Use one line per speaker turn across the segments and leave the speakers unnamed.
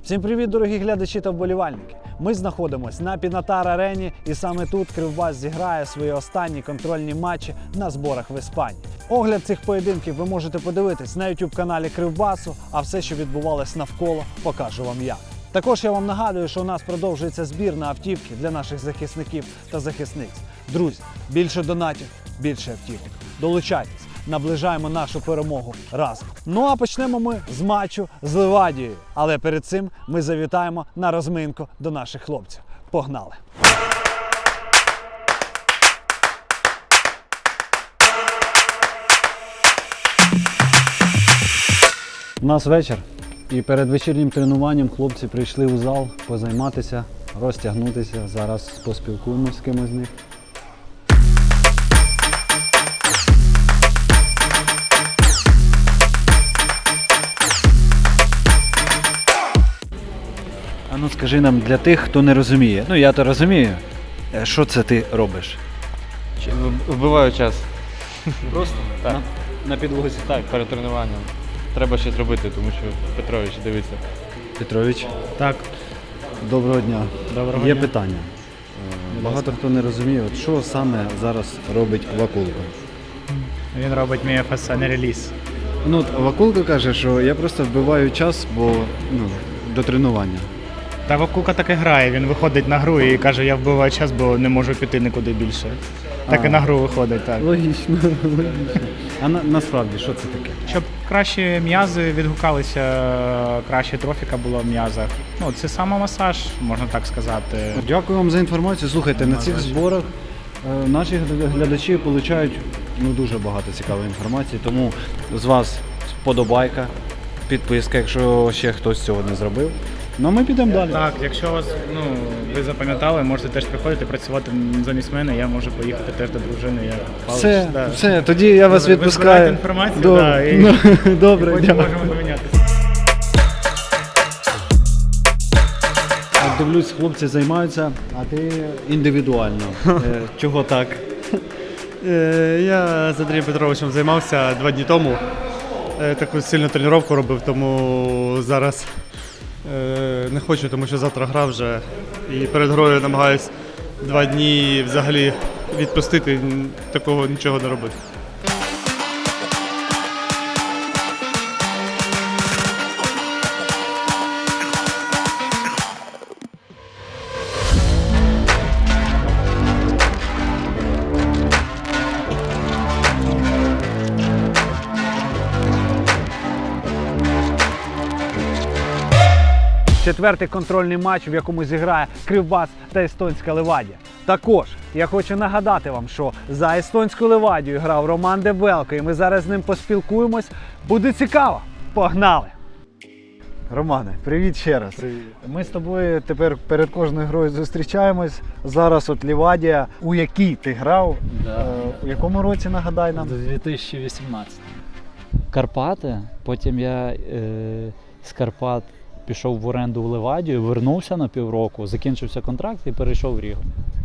Всім привіт, дорогі глядачі та вболівальники! Ми знаходимося на Пінатар-арені і саме тут Кривбас зіграє свої останні контрольні матчі на зборах в Іспанії. Огляд цих поєдинків ви можете подивитись на YouTube-каналі Кривбасу, а все, що відбувалось навколо, покажу вам я. Також я вам нагадую, що у нас продовжується збір на автівки для наших захисників та захисниць. Друзі, більше донатів, більше автівок. Долучайтесь, наближаємо нашу перемогу разом. Ну а почнемо ми з матчу з Левадією. Але перед цим ми завітаємо на розминку до наших хлопців. Погнали! У нас вечір. І перед вечірнім тренуванням хлопці прийшли у зал позайматися, розтягнутися. Зараз поспілкуємося з кимось з них. А ну скажи нам, для тих, хто не розуміє, ну я то розумію, що це ти робиш?
Вбиваю час.
Просто?
Так.
На підлозі?
Так, перед тренуванням. Треба щось робити, тому що Петрович дивиться.
Петрович,
Так,
доброго дня.
доброго
Є
дня.
питання. Багато хто не розуміє, от що саме зараз робить Вакулка.
Він робить мій ФСН реліз.
Ну, от Вакулка каже, що я просто вбиваю час, бо до тренування.
Та Вакука так і грає, він виходить на гру і каже, я вбиваю час, бо не можу піти нікуди більше. Так і на гру виходить, так.
Логічно, логічно. А насправді, що це таке?
Щоб кращі м'язи відгукалися, краще трофіка була в м'язах. Ну, це самомасаж, можна так сказати.
Дякую вам за інформацію. Слухайте, на цих зборах наші глядачі отримують дуже багато цікавої інформації, тому з вас вподобайка, підписка, якщо ще хтось цього не зробив. Ну, ми підемо далі.
Так, якщо вас, ви запам'ятали, можете теж приходити працювати замість мене, я можу поїхати теж до дружини. Я
Все,
да.
все, тоді я вас
Ви
відпускаю.
збираєте інформацію,
Добре,
да, і
добре,
потім
дякую.
можемо помінятися.
Дивлюсь, хлопці займаються, а ти індивідуально. Чого так?
Я з Андрієм Петровичем займався 2 дні тому. Таку сильну тренування робив, тому зараз не хочу, тому що завтра гра вже. І перед грою намагаюсь 2 дні взагалі відпустити, такого нічого не робити.
Четвертий контрольний матч, в якому зіграє Кривбас та естонська Левадія. Також я хочу нагадати вам, що за естонську Левадію грав Роман Дебелко, і ми зараз з ним поспілкуємось. Буде цікаво. Погнали! Романе, привіт ще раз.
Привіт.
Ми з тобою тепер перед кожною грою зустрічаємось. Зараз от Левадія, у якій ти грав, у якому році, нагадай нам?
2018. Карпати, потім я з Карпат пішов в оренду в Левадію, вернувся на півроку, закінчився контракт і перейшов в Рігу.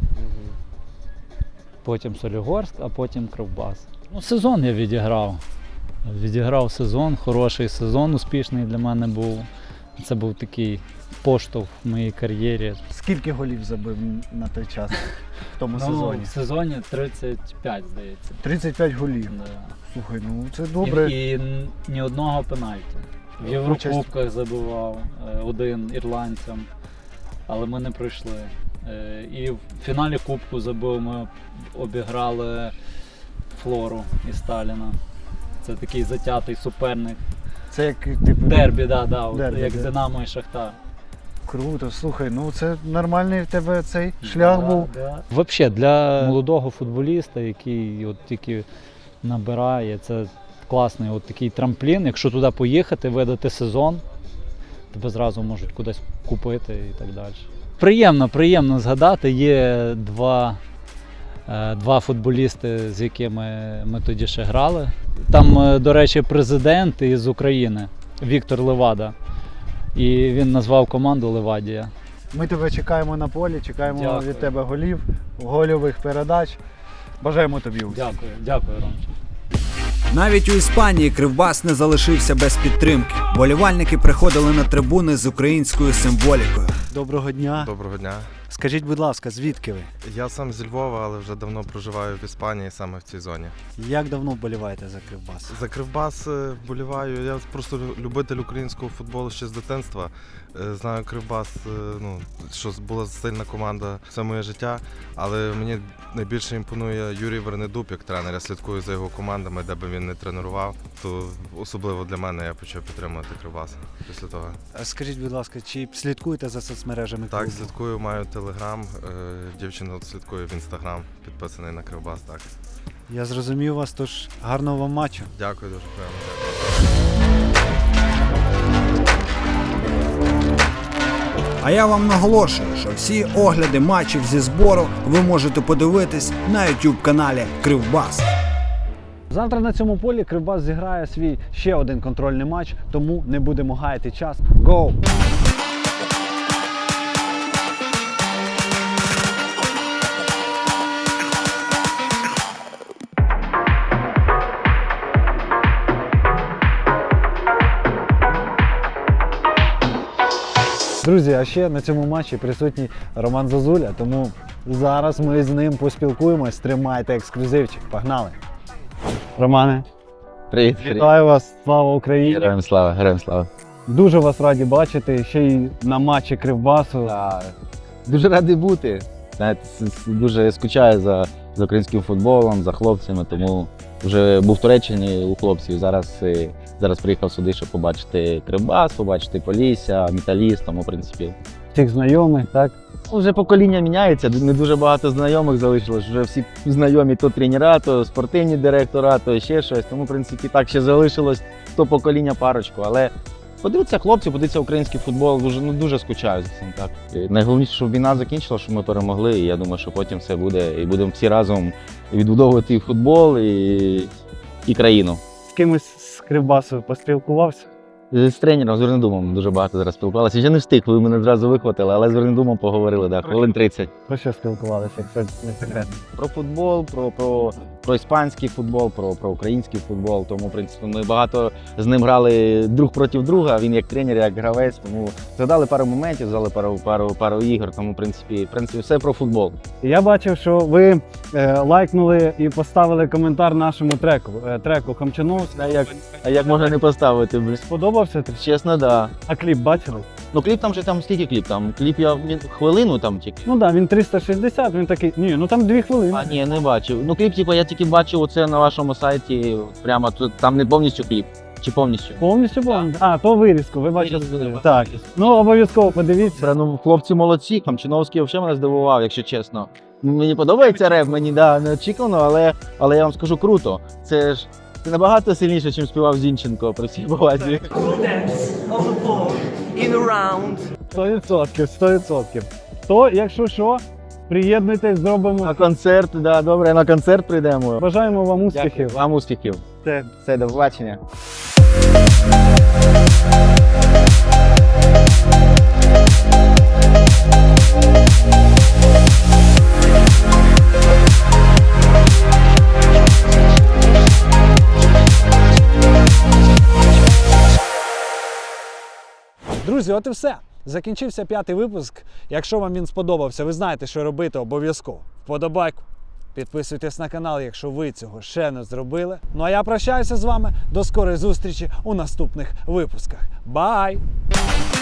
Потім Солігорськ, а потім Кривбас. Ну, сезон я відіграв. Відіграв сезон, хороший сезон, успішний для мене був. Це був такий поштовх в моїй кар'єрі.
Скільки голів забив на той час в тому
Ну,
сезоні?
в сезоні 35, здається.
35 голів.
Да.
Слухай, ну це добре.
І ні одного пенальті. В Єврокубках забивав один ірландцям, але ми не пройшли. І в фіналі Кубку забив, ми обіграли Флору і Сталіна. Це такий затятий суперник.
Це як типу
Дербі,
Дербі,
як
да.
Динамо і Шахтар.
Круто, слухай, ну це нормальний в тебе цей шлях був.
Взагалі, для молодого футболіста, який от тільки набирає, це класний от такий трамплін. Якщо туди поїхати, видати сезон, тебе зразу можуть кудись купити і так далі. Приємно згадати, є два футболісти, з якими ми тоді ще грали. Там, до речі, президент із України, Віктор Левада. І він назвав команду Левадія.
Ми тебе чекаємо на полі, чекаємо
Дякую.
від тебе голів, гольових передач. Бажаємо тобі успіху.
Дякую, Ромчик.
Навіть у Іспанії Кривбас не залишився без підтримки. Болівальники приходили на трибуни з українською символікою.
Доброго дня.
Доброго дня.
Скажіть, будь ласка, звідки ви?
Я сам зі Львова, але вже давно проживаю в Іспанії, саме в цій зоні.
Як давно вболіваєте за Кривбас?
За Кривбас вболіваю. Я просто любитель українського футболу ще з дитинства. Знаю Кривбас, що була сильна команда все моє життя, але мені найбільше імпонує Юрій Вернедуб як тренер. Я слідкую за його командами, де би він не тренував. То особливо для мене я почав підтримувати Кривбас після того.
Скажіть, будь ласка, чи слідкуєте за соцмережами
Так,
клубу?
слідкую, маю телеграм, дівчина слідкує в інстаграм, підписаний на Кривбас, так.
Я зрозумів вас, тож гарного вам матчу.
Дякую дуже приємно.
А я вам наголошую, що всі огляди матчів зі збору ви можете подивитись на YouTube-каналі Кривбас.
Завтра на цьому полі Кривбас зіграє свій ще один контрольний матч, тому не будемо гаяти час. Гоу! Друзі, а ще на цьому матчі присутній Роман Зозуля, тому зараз ми з ним поспілкуємось. Тримайте ексклюзивчик. Погнали! Романе,
Привіт,
вітаю вас! Слава Україні!
Героям слава, героям слава.
Дуже вас раді бачити, ще й на матчі Кривбасу.
Дуже радий бути. Знаєте, дуже скучаю за українським футболом, за хлопцями, тому вже був в Туреччині у хлопців. Зараз приїхав сюди, щоб побачити Кривбас, побачити Полісся, Металіст, тому, в принципі.
Всіх знайомих, так?
Вже покоління міняється, не дуже багато знайомих залишилось, вже всі знайомі то тренера, то спортивні директора, то ще щось. Тому, в принципі, так ще залишилось то покоління парочку. Але подивіться хлопці, подивіться український футбол, дуже скучаю за цим. Так. І найголовніше, щоб війна закінчила, щоб ми перемогли. І я думаю, що потім все буде. І будемо всі разом відбудовувати і футбол, і країну.
З кимось з Кривбасу поспілкувався?
З тренером, з Вернедумом дуже багато зараз спілкувалися. Ще не встиг, ви мене одразу вихватили, але з Вернедумом поговорили, так, хвилин 30.
Про що спілкувалися, якщо не секрет?
Про футбол, про іспанський футбол, про український футбол. Тому, в принципі, ми багато з ним грали друг проти друга. Він як тренер, як гравець. Тому згадали пару моментів, згадали пару ігор. Тому, в принципі, все про футбол.
Я бачив, що ви лайкнули і поставили коментар нашому треку Хамчановський.
А як можна не поставити? Блін?
Сподобався?
Чесно, да.
А кліп бачили?
Ну кліп там скільки кліп? Там кліп я хвилину там тільки.
Ну так, він 360, він такий, там 2 хвилини.
А ні, не бачив. Ну кліп, я тільки бачив оце на вашому сайті, прямо тут, там не повністю кліп. Чи повністю?
Повністю? А, то вирізку, ви бачили?
Вирізку.
Так. Ну, обов'язково подивіться.
Ну, хлопці молодці, Хамчиновський взагалі мене здивував, якщо чесно. Мені подобається реп, мені не очікувано, але я вам скажу круто. Це набагато сильніше, ніж співав Зінченко при всій повазі.
100%. То, якщо що, приєднуйтесь, зробимо.
На концерт, да, добре, на концерт прийдемо.
Бажаємо вам успіхів.
Дякую. Вам успіхів.
Все.
Все, до побачення.
Друзі, от і все. Закінчився 5-й випуск. Якщо вам він сподобався, ви знаєте, що робити обов'язково. Вподобайку. Підписуйтесь на канал, якщо ви цього ще не зробили. Ну а я прощаюся з вами. До скорої зустрічі у наступних випусках. Бай!